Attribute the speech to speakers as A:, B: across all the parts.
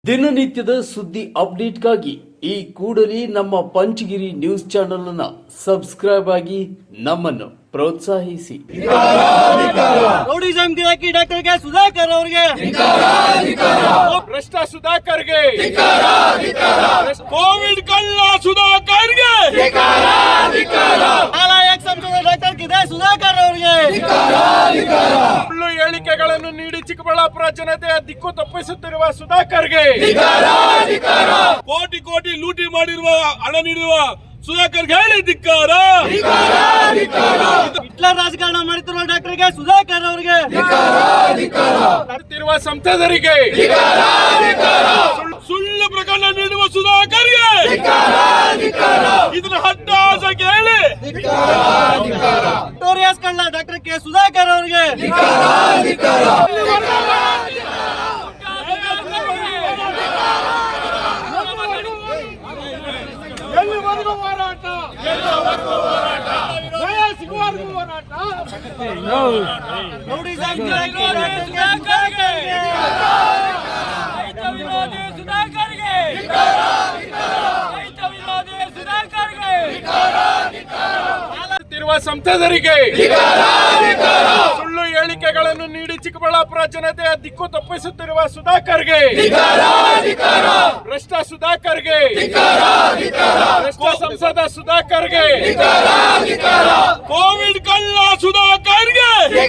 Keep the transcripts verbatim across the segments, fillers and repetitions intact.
A: ದಿನನಿತ್ಯದ ಸುದ್ದಿ ಅಪ್ಡೇಟ್ಗಾಗಿ ಈ ಕೂಡಲೇ ನಮ್ಮ ಪಂಚಗಿರಿ ನ್ಯೂಸ್ ಚಾನೆಲ್ ಅನ್ನು ಸಬ್ಸ್ಕ್ರೈಬ್ ಆಗಿ ನಮ್ಮನ್ನು ಪ್ರೋತ್ಸಾಹಿಸಿ.
B: ರೌಡಿಸಂ ಗಿರಾಕಿ ಡಾಕ್ಟರ್ ಕೆ ಸುಧಾಕರ್ ಅವರಿಗೆ,
C: ಭ್ರಷ್ಟ ಸುಧಾಕರ್ಗೆ, ಕೋವಿಡ್ ಕಳ್ಳ ಸುಧಾಕರ್ಗೆ,
B: ನಾಲಾಯಕ ಸಂಸದ ಡಾಕ್ಟರ್ ಕೆ ಸುಧಾಕರ್ ಅವರಿಗೆ,
C: ಸುಳ್ಳು ಹೇಳಿಕೆಗಳನ್ನು ನೀಡಿ ಚಿಕ್ಕಬಳ್ಳಾಪುರ ಜನತೆಯ ದಿಕ್ಕು ತಪ್ಪಿಸುತ್ತಿರುವ ಸುಧಾಕರ್ಗೆ, ಕೋಟಿ ಕೋಟಿ ಲೂಟಿ ಮಾಡಿರುವ ಹಣ ನೀಡುವ ಸುಧಾಕರ್ಗೆ ಹೇಳಿ ಧಿಕ್ಕಾರ.
B: ಹಿಟ್ಲರ್ ರಾಜಕಾರಣ ಮಾಡುತ್ತಿರುವ ಡಾಕ್ಟರ್ ಕೆ ಸುಧಾಕರ್ ಅವರಿಗೆ,
C: ನಡೆಯುತ್ತಿರುವ ಸಂಸದರಿಗೆ, ಸುಳ್ಳು ಪ್ರಕರಣ ನೀಡುವ ಸುಧಾಕರ್ಗೆ ಇದನ್ನ ಹಟ್ಟಾಸಕ್ಕೆ ಹೇಳಿ.
B: ವಿಕ್ಟೋರಿಯಾಸ್ ಕಳ್ಳ ಡಾಕ್ಟರ್ ಕೆ ಸುಧಾಕರ್ ಅವರಿಗೆ, ರೌಡಿಸಂ ಗಿರಾಕಿ ಡಾಕ್ಟರ್ ಸುಧಾಕರ್ಗೆ,
C: ತಿರುವ ಸಂಸದರಿಗೆ, ಸುಳ್ಳು ಹೇಳಿಕೆಗಳನ್ನು ನೀಡಿ ಚಿಕ್ಕಬಳ್ಳಾಪುರ ಜನತೆಯ ದಿಕ್ಕು ತಪ್ಪಿಸುತ್ತಿರುವ ಸುಧಾಕರ್ಗೆ, ಭ್ರಷ್ಟ ಸುಧಾಕರ್ಗೆ, ಸಂಸದ ಸುಧಾಕರ್ಗೆ, ಕೋವಿಡ್ ಕಳ್ಳ ಸುಧಾಕರ್ಗೆ,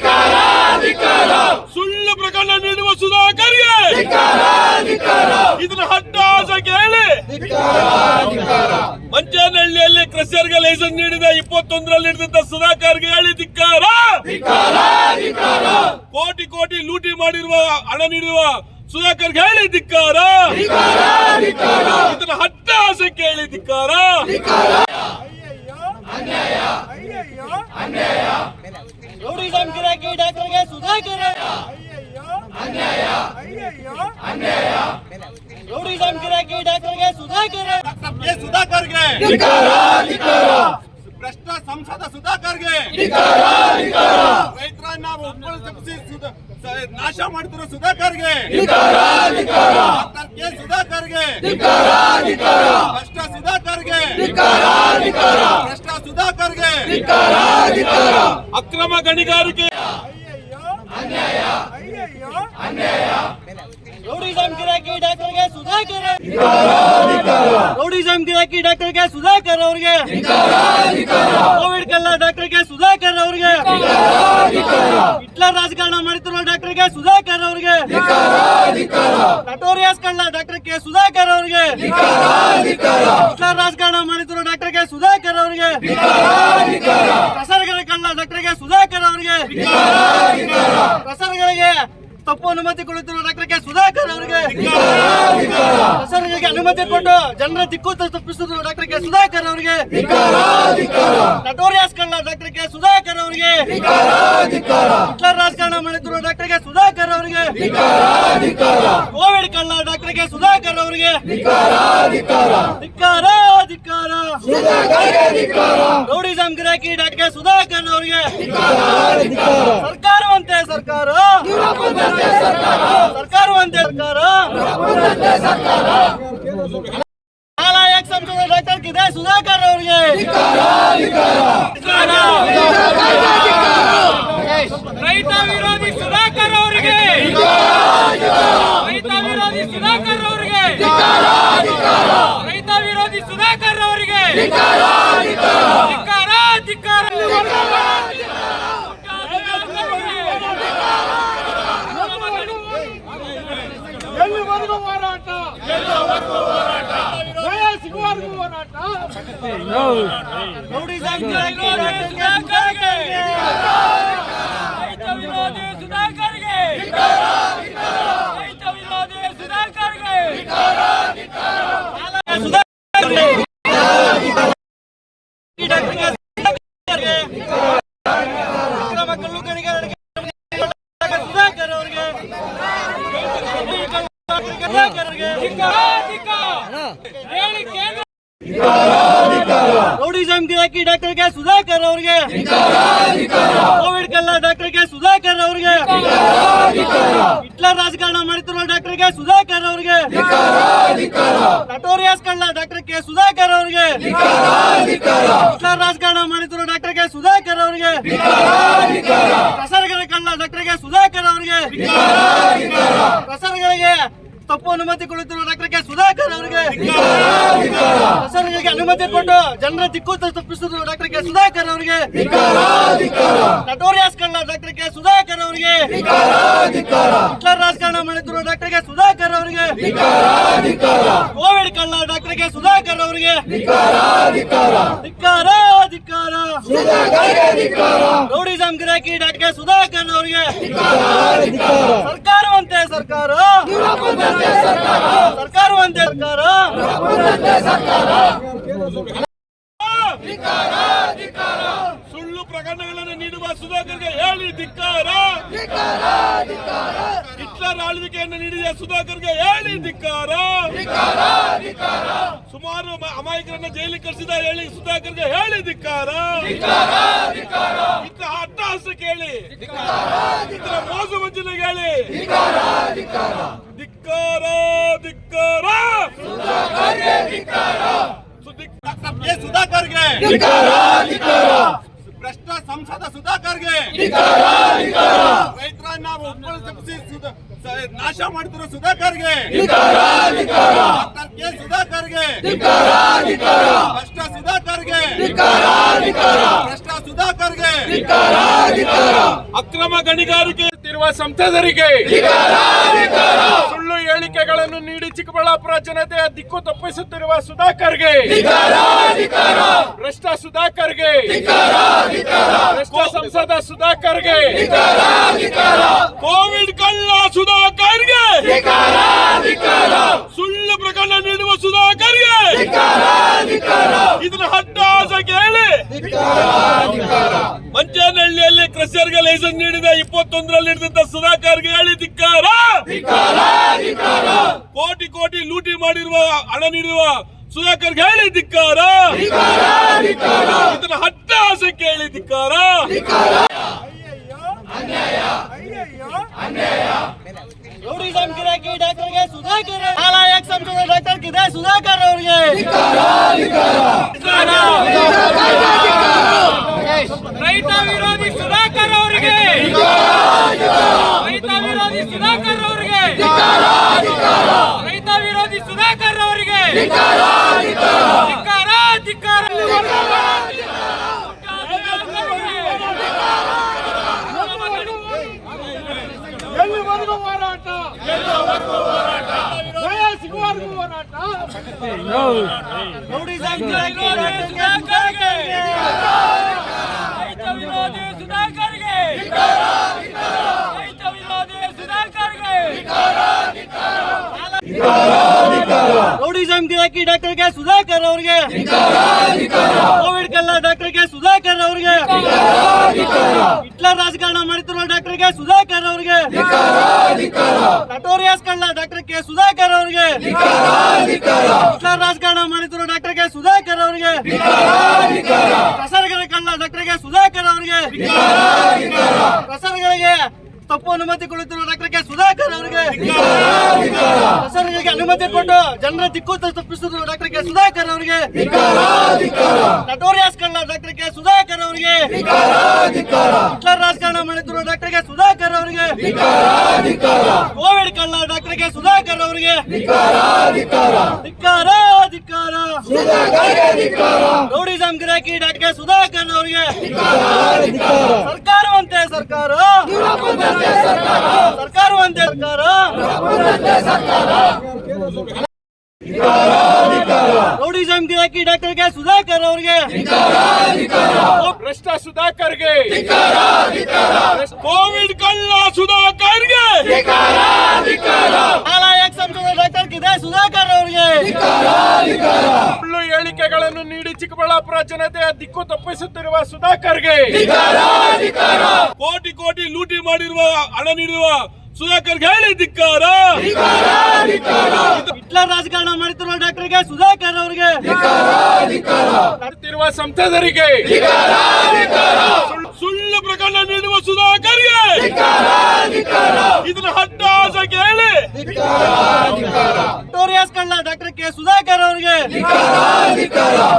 C: ಸುಳ್ಳು ಪ್ರಕರಣ ನೀಡುವ ಸುಧಾಕರ್ಗೆ ಇದನ್ನ ಹಟ್ಟಾಸಕ್ಕೆ ಹೇಳಿ. ಮಂಚನಹಳ್ಳಿಯಲ್ಲಿ ಕ್ರಷರ್ಗೆ ಲೈಸೆನ್ಸ್ ನೀಡಿದ ಇಪ್ಪತ್ತೊಂದರಲ್ಲಿ ಹಿಡಿದ ಸುಧಾಕರ್ಗೆ ಹೇಳಿ ಧಿಕ್ಕಾರ. ಕೋಟಿ ಕೋಟಿ ಲೂಟಿ ಮಾಡಿರುವ ಹಣ ನೀಡುವ ಸುಧಾಕರ್ಗೆ ಹೇಳಿ ಧಿಕ್ಕಾರ. ಇದನ್ನ ಹಟ್ಟಾಸಕ್ಕೆ ಹೇಳಿ ಧಿಕ್ಕಾರ.
B: ರೌಡಿಸಂ ಗಿರಾಕಿ ಡಾಕ್ಟರ್ ಕೆ ಸುಧಾಕರ್, ರೌಡಿಸಂ ಗಿರಾಕಿ ಡಾಕ್ಟರ್ ಕೆ ಸುಧಾಕರ್,
C: ಸುಧಾಕರ್ಗೆ, ಭ್ರಷ್ಟ ಸಂಸದ ಸುಧಾಕರ್ಗೆ, ರೈತರನ್ನ ಒಬ್ಬರು ತಪ್ಪಿಸಿ ನಾಶ ಮಾಡ್ತಿರೋ ಸುಧಾಕರ್ಗೆ, ಕೆ ಸುಧಾಕರ್ಗೆ, ಭ್ರಷ್ಟ ಸುಧಾಕರ್ಗೆ, ಭ್ರಷ್ಟ ಸುಧಾಕರ್ಗೆ, ಅಕ್ರಮ ಗಣಿಗಾರಿಕೆ,
B: ರೌಡಿಸಂ ಗಿರಾಕಿ ಡಾಕ್ಟರ್ ಕೆ ಸುಧಾಕರ್, ರೌಡಿಸಂ ಗಿರಾಕಿ ಡಾಕ್ಟರ್ ಕೆ ಸುಧಾಕರ್ ಅವರಿಗೆ, ಕೋವಿಡ್ ಕಳ್ಳ ಡಾಕ್ಟರ್ ಕೆ ಸುಧಾಕರ್ ಅವರಿಗೆ, ಹಿಟ್ಲರ್ ರಾಜಕಾರಣ ಮಾಡುತ್ತಿರುವ ಡಾಕ್ಟರ್ ಕೆ ಸುಧಾಕರ್ ಅವರಿಗೆ, ನಟೋರಿಯಸ್ ಕಳ್ಳ ಡಾಕ್ಟರ್ ಕೆ ಸುಧಾಕರ್ ಅವರಿಗೆ, ಹಿಟ್ಲರ್ ರಾಜಕಾರಣ ಮಾಡುತ್ತಿರುವ ಡಾಕ್ಟರ್ ಕೆ ಸುಧಾಕರ್ ಅವರಿಗೆ, ಪ್ರಸರಗಳ ಕಳ್ಳ ಡಾಕ್ಟರ್ ಕೆ ಸುಧಾಕರ್ ಅವರಿಗೆ, ಪ್ರಸರಗಳಿಗೆ ತಪ್ಪು ಅನುಮತಿ ಕೊಡುತ್ತಿರುವ ಡಾಕ್ಟರ್ ಕೆ ಸುಧಾಕರ್ ಅವರಿಗೆ, ಪ್ರಸರಗಳಿಗೆ ಅನುಮತಿ ಕೊಟ್ಟು ಜನರ ದಿಕ್ಕು ತಪ್ಪಿಸುತ್ತಿರುವ ಡಾಕ್ಟರ್ ಕೆ ಸುಧಾಕರ್ ಅವರಿಗೆ, ನಟೋರಿಯಸ್ ಕಳ್ಳ ಡಾಕ್ಟರ್ ಕೆ ಸುಧಾಕರ್ ಅವರಿಗೆ, ಹಿಟ್ಲರ್ ರಾಜಕಾರಣ ಮಾಡುತ್ತಿರುವ ಡಾಕ್ಟರ್ ಕೆ ಸುಧಾಕರ್ ಅವರಿಗೆ, ಕೋವಿಡ್ ಕಳ್ಳ ಡಾಕ್ಟರ್ ಕೆ ಸುಧಾಕರ್ ಅವರಿಗೆ ಧಿಕ್ಕಾರ ಧಿಕ್ಕಾರ. ರೌಡಿಸಂ ಗಿರಾಕಿ ಡಾಕ್ಟರ್ ಕೆ ಸುಧಾಕರ್ ಅವರಿಗೆ ಸರ್ಕಾರವಂತೆ ಸರ್ಕಾರ, ಸರ್ಕಾರವಂತೆ ಸರ್ಕಾರ, ನಾಲಾಯಕ ಸಂಸದ ಡಾಕ್ಟರ್ ಕೆ ಸುಧಾಕರ್ ಅವರಿಗೆ, ರೈತ ವಿರೋಧಿ ಸುಧಾಕರ್ ಅವರಿಗೆ, ರೈತ ವಿರೋಧಿ ಸುಧಾಕರ್ ಅವರಿಗೆ, ರೈತ ವಿರೋಧಿ ಸುಧಾಕರ್ ಅವರಿಗೆ ಧಿಕ್ಕಾರ ಧಿಕ್ಕಾರ.
C: ಎಲ್ಲಿವರೆಗೂ ಹೋರಾಟ, ನ್ಯಾಯ ಸಿಗುವವರೆಗೂ ಹೋರಾಟ.
B: ರೌಡಿಸಂ ಗಿರಾಕಿ ಡಾಕ್ಟರ್ ಕೆ ರೈತ ವಿರೋಧಿ ಸುಧಾಕರ್ಗೆ, ರೈತ ವಿರೋಧಿ ಸುಧಾಕರ್ಗೆ, ಅಕ್ರಮ ಕಲ್ಲು ಗಣಿಗಾರಿಕೆ ಸುಧಾಕರ್ ಅವರಿಗೆ, ರೌಡಿಸಂ ರೌಡಿಸಂ ಗಿರಾಕಿ ಡಾಕ್ಟರ್ ಕೆ ಸುಧಾಕರ್ ಅವರಿಗೆ ಕೋವಿಡ್ ಕಲ್ಲ ಡಾಕ್ಟರ್ ಕೆ ಸುಧಾಕರ್ ಅವರಿಗೆ ಹಿಟ್ಲರ್ ರಾಜಕಾರಣ ಮಾಡುತ್ತಿರುವ ಡಾಕ್ಟರ್ ಕೆ ಸುಧಾಕರ್ ಅವರಿಗೆ ನಟೋರಿಯಸ್ ಕಳ್ಳ ಡಾಕ್ಟರ್ ಕೆ ಸುಧಾಕರ್ ಅವರಿಗೆ ಹಿಟ್ಲರ್ ರಾಜಕಾರಣ ಮಾಡುತ್ತಿರುವ ಡಾಕ್ಟರ್ ಕೆ ಸುಧಾಕರ್ ಅವರಿಗೆ ಪ್ರಸಾರಗಳ ಕಳ್ಳ ಡಾಕ್ಟರ್ ಕೆ ಸುಧಾಕರ್ ಅವರಿಗೆ ಪ್ರಸಾರಗಳಿಗೆ ತಪ್ಪು ಅನುಮತಿ ಕೊಡುತ್ತಿರುವ ಡಾಕ್ಟರ್ ಕೆ ಸುಧಾಕರ್ ಅವರಿಗೆ ಪ್ರಸಾರಗಳಿಗೆ ಅನುಮತಿ ಕೊಟ್ಟು ಜನರ ದಿಕ್ಕು ತಪ್ಪಿಸುತ್ತಿರುವ ಡಾಕ್ಟರ್ ಕೆ ಸುಧಾಕರ್ ಅವರಿಗೆ ನಟೋರಿಯಸ್ ಕಳ್ಳ ಡಾಕ್ಟರ್ ಕೆ ಸುಧಾಕರ್ ಅವರಿಗೆ ಹಿಟ್ಲರ್ ರಾಜಕಾರಣ ಮಾಡುತ್ತಿರುವ ಡಾಕ್ಟರ್ ಕೆ ಸುಧಾಕರ್ ಅವರಿಗೆ ಕೋವಿಡ್ ಕಳ್ಳ ಡಾಕ್ಟರ್ ಕೆ ಸುಧಾಕರ್ ಅವರಿಗೆ ಧಿಕ್ಕಾರ ಧಿಕ್ಕಾರ ರೌಡಿಸಂ ಗಿರಾಕಿ ಡಾಕ್ಟರ್ ಕೆ ಸುಧಾಕರ್ ಅವರಿಗೆ ಸರ್ಕಾರವಂತೆ ಸರ್ಕಾರ ಸರ್ಕಾರವಂತೆ ಸರ್ಕಾರ
C: ಸುಳ್ಳು ಪ್ರಕರಣಗಳನ್ನು ನೀಡುವ ಸುಧಾಕರ್ಗೆ ಹೇಳಿ ಧಿಕ್ಕಾರ. ಹಿಟ್ಲರ್ ಆಳ್ವಿಕೆಯನ್ನು ನೀಡಿದ ಸುಧಾಕರ್ಗೆ ಹೇಳಿ ಧಿಕ್ಕಾರ. ಸುಮಾರು ಮ- ಅಮಾಯಕರನ್ನ ಜೈಲಿಗೆ ಕಳಿಸಿದ ಹೇಳಿ ಸುಧಾಕರ್ಗೆ ಹೇಳಿ ಧಿಕ್ಕಾರ. ಇತರ ಅಟ್ಟಹಾಸಕ್ಕೆ ಹೇಳಿ, ಇತರ ಮೋಸ ವಂಚನೆಗೆ ಹೇಳಿ ಧಿಕ್ಕಾರ ಧಿಕ್ಕಾರ.
B: ಕೆ ಸುಧಾಕರ್ಗೆ ಭ್ರಷ್ಟ ಸಂಸದ ಸುಧಾಕರ್ಗೆ ರೈತರನ್ನ ಒಬ್ಬರು ತಪ್ಪಿಸಿ ಸುಧಾ- ಸ- ನಾಶ ಮಾಡ್ತಿರೋ ಸುಧಾಕರ್ಗೆ ಡಾಕ್ಟರ್ ಕೆ ಸುಧಾಕರ್ಗೆ ಭ್ರಷ್ಟ ಸುಧಾಕರ್ಗೆ ಭ್ರಷ್ಟ ಸುಧಾಕರ್ಗೆ
C: ಅಕ್ರಮ ಗಣಿಗಾರಿಕೆ ಇರುವ ಸಂಸದರಿಗೆ ಸುಳ್ಳು ಹೇಳಿಕೆಗಳನ್ನು ನೀಡಿ ಚಿಕ್ಕಬಳ್ಳಾಪುರ ಜನತೆಯ ದಿಕ್ಕು ತಪ್ಪಿಸುತ್ತಿರುವ ಸುಧಾಕರ್ಗೆ ಭ್ರಷ್ಟ ಸುಧಾಕರ್ಗೆ ಭ್ರಷ್ಟ ಸಂಸದ ಸುಧಾಕರ್ಗೆ ಕೋವಿಡ್ ಕಳ್ಳ ಸುಧಾಕರ್ಗೆ ಸುಳ್ಳು ಪ್ರಕರಣ ನೀಡುವ ಸುಧಾಕರ್ಗೆ ಇದನ್ನ ಹಟ್ಟಾಸ ಕೇಳಿ ಮಂಚನಹಳ್ಳಿಯಲ್ಲಿ ಕ್ರಷರ್ಗೆ ಲೈಸೆನ್ಸ್ ನೀಡಿದ ಇಪ್ಪತ್ತೊಂದರಲ್ಲಿ ಹಿಡಿದಂತ ಸುಧಾಕರ್ಗೆ ಹೇಳಿ ಧಿಕ್ಕಾರ. ಕೋಟಿ ಕೋಟಿ ಲೂಟಿ ಮಾಡಿರುವ ಹಣ ನೀಡುವ ಸುಧಾಕರ್ಗೆ ಹೇಳಿ ಧಿಕ್ಕಾರ. ಇದನ್ನ ಹಟ್ಟಾಸಕ್ಕೆ ಹೇಳಿ ಧಿಕ್ಕಾರ.
B: ರೌಡಿಸಂ ಗಿರಾಕಿ ಡಾಕ್ಟರ್ಗೆ ಸುಧಾಕರ್ ನಾಲಾಯಕ್ ಸಂಸದ ಡಾಕ್ಟರ್ ಕಿದೆ ಸುಧಾಕರ್ ಅವರಿಗೆ ರೈತ ವಿರೋಧಿ ಸುಧಾಕರ್ ಅವರಿಗೆ ರೈತ ವಿರೋಧಿ ಸುಧಾಕರ್ ಅವರಿಗೆ ರೈತ ವಿರೋಧಿ ಸುಧಾಕರ್ ಅವರಿಗೆ ಧಿಕ್ಕಾರ ಧಿಕ್ಕಾರ.
D: ಎಲ್ಲಿವರೆಗೂ ಹೋರಾಟ, ನ್ಯಾಯ ಸಿಗುವವರೆಗೂ ಹೋರಾಟ.
B: ರೌಡಿಸಂ ಗಿರಾಕಿ ಡಾಕ್ಟರ್ ಸುಧಾಕರ್ಗೆ ರೈತ ವಿರೋಧಿ ಸುಧಾಕರ್ಗೆ ರೈತ ವಿರೋಧಿ ಸುಧಾಕರ್ಗೆ ರೌಡಿಸಂ ಗಿರಾಕಿ ಡಾಕ್ಟರ್ ಕೆ ಸುಧಾಕರ್ ಅವರಿಗೆ ಕೋವಿಡ್ ಕಲ್ಲ ಡಾಕ್ಟರ್ ಕೆ ಸುಧಾಕರ್ ಅವರಿಗೆ ಹಿಟ್ಲರ್ ರಾಜಕಾರಣ ಮಾಡುತ್ತಿರುವ ಡಾಕ್ಟರ್ ಕೆ ಸುಧಾಕರ್ ಅವರಿಗೆ ನಟೋರಿಯಸ್ ಕಳ್ಳ ಡಾಕ್ಟರ್ ಕೆ ಸುಧಾಕರ್ ಅವರಿಗೆ ಹಿಟ್ಲರ್ ರಾಜಕಾರಣ ಮಾಡುತ್ತಿರುವ ಡಾಕ್ಟರ್ ಕೆ ಸುಧಾಕರ್ ಅವರಿಗೆ ಪ್ರಸಾರಗಳ ಕಳ್ಳ ಡಾಕ್ಟರ್ ಕೆ ಸುಧಾಕರ್ ಅವರಿಗೆ ಪ್ರಸಾರಗಳಿಗೆ ತಪ್ಪು ಅನುಮತಿ ಕೊಡುತ್ತಿರುವ ಡಾಕ್ಟರ್ ಕೆ ಸುಧಾಕರ್ ಅವರಿಗೆ ಪ್ರಸಾರಗಳಿಗೆ ಅನುಮತಿ ಕೊಟ್ಟು ಜನರ ದಿಕ್ಕು ತಪ್ಪಿಸುತ್ತಿರುವ ಡಾಕ್ಟರ್ ಕೆ ಸುಧಾಕರ್ ಅವರಿಗೆ ನಟೋರಿಯಸ್ ಕಳ್ಳ ಡಾಕ್ಟರ್ ಕೆ ಸುಧಾಕರ್ ಅವರಿಗೆ ಹಿಟ್ಲರ್ ರಾಜಕಾರಣ ಮಾಡುತ್ತಿರುವ ಡಾಕ್ಟರ್ ಕೆ ಸುಧಾಕರ್ ಅವರಿಗೆ ಕೋವಿಡ್ ಕಳ್ಳ ಡಾಕ್ಟರ್ ಕೆ ಸುಧಾಕರ್ ಅವರಿಗೆ ಧಿಕ್ಕಾರ ಧಿಕ್ಕಾರ. ರೌಡಿಸಂ ಗಿರಾಕಿ ಡಾಕ್ಟರ್ ಕೆ ಸುಧಾಕರ್ ಅವರಿಗೆ ಸರ್ಕಾರವಂತೆ ಸರ್ಕಾರ ಸರ್ಕಾರವಂತೆ ಸರ್ಕಾರ ರೌಡಿಸಂ ಗಿರಾಕಿ ಡಾಕ್ಟರ್ ಕೆ ಸುಧಾಕರ್ ಅವರಿಗೆ
C: ಭ್ರಷ್ಟ ಸುಧಾಕರ್ಗೆ ಕೋವಿಡ್ ಕಳ್ಳ ಸುಧಾಕರ್ಗೆ
B: ನಾಲಾಯಕ್ ಸಂಸದ ಡಾಕ್ಟರ್ ಕಿದೆ ಸುಧಾಕರ್ ಅವರಿಗೆ
C: ಸುಳ್ಳು ಹೇಳಿಕೆಗಳನ್ನು ನೀಡಿ ಚಿಕ್ಕಬಳ್ಳಾಪುರ ಜನತೆಯ ದಿಕ್ಕು ತಪ್ಪಿಸುತ್ತಿರುವ ಸುಧಾಕರ್ಗೆ ಕೋಟಿ ಕೋಟಿ ಲೂಟಿ ಮಾಡಿರುವ ಹಣ ನೀಡುವ ಸುಧಾಕರ್ಗೆ ಹೇಳಿ ಧಿಕ್ಕಾರ.
B: ಹಿಟ್ಲರ್ ರಾಜಕಾರಣ ಮಾಡುತ್ತಿರುವ ಡಾಕ್ಟರ್ಗೆ ಸುಧಾಕರ್ ಅವರಿಗೆ
D: ಮಾಡ್ತಿರುವ ಸಂಸದರಿಗೆ
C: ಸುಳ್ಳು ಪ್ರಕರಣ ನೀಡುವ ಸುಧಾಕರ್ಗೆ ಇದನ್ನ ಹಟ್ಟಾಸ ಕೇಳಿ.
B: ವಿಕ್ಟೋರಿಯಾಸ್ ಕಳ್ಳ ಡಾಕ್ಟರ್ ಕೆ ಸುಧಾಕರ್ ಅವರಿಗೆ